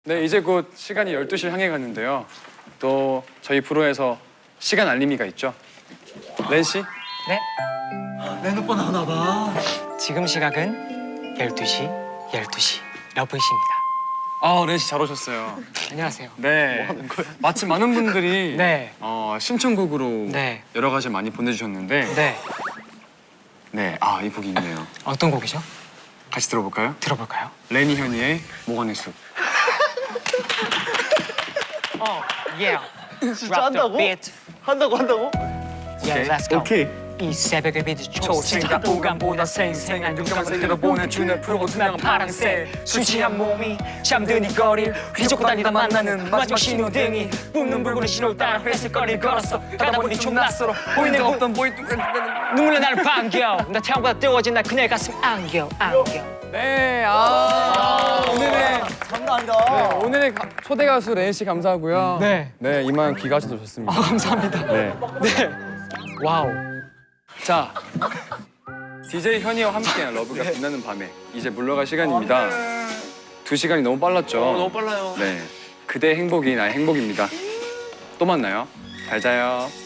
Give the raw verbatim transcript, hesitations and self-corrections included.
네, 이제 곧 시간이 열두 시를 향해 가는데요. 또 저희 프로에서 시간 알림이가 있죠. 렌 씨? 네. 렌 오빠 나오나 봐. 지금 시각은 열두 시, 열두 시. 러브이십니다. 아, 렌 씨 잘 오셨어요. 안녕하세요. 네. 뭐 하는 거야? 마침 많은 분들이 네. 어, 신청곡으로 네. 여러 가지 많이 보내주셨는데 네. 네, 아, 이 곡이 있네요. 어떤 곡이죠? 같이 들어볼까요? 들어볼까요? 레니 현이의 모건의 숲. 어, yeah. 진짜 한다고? 한다고 한다고? Yeah, let's go. 오케이. 이 새벽의 빛이 초생각 보감보다 생생한 눈감을 들어보는 주는 프로 투명 파랑새 술 취한 몸이 잠든 이 거리를 휘젓고 다니다 만나는 마지막 신호등이 뿜는 붉은 신호를 따라 회색 거리를 걸었어. 가다 보니 좀 낯설어 보이는 데가 없던 보이 눈물로 나를 반겨. 나 태양보다 뜨거워진 날 그녀의 가슴 안겨 안겨. 네, 아, 오늘의 장난 아니다. 네, 오늘의 가, 초대 가수 렌 씨 감사하고요. 네. 네, 이만 귀가 하셔도 좋습니다. 아, 감사합니다. 네. 네. 와우. 자, 디제이 현이와 함께한 러브가 빛나는 밤에 이제 물러갈 시간입니다. 두 시간이 너무 빨랐죠? 어, 너무 빨라요. 네, 그대의 행복이 나의 행복입니다. 또 만나요. 잘 자요.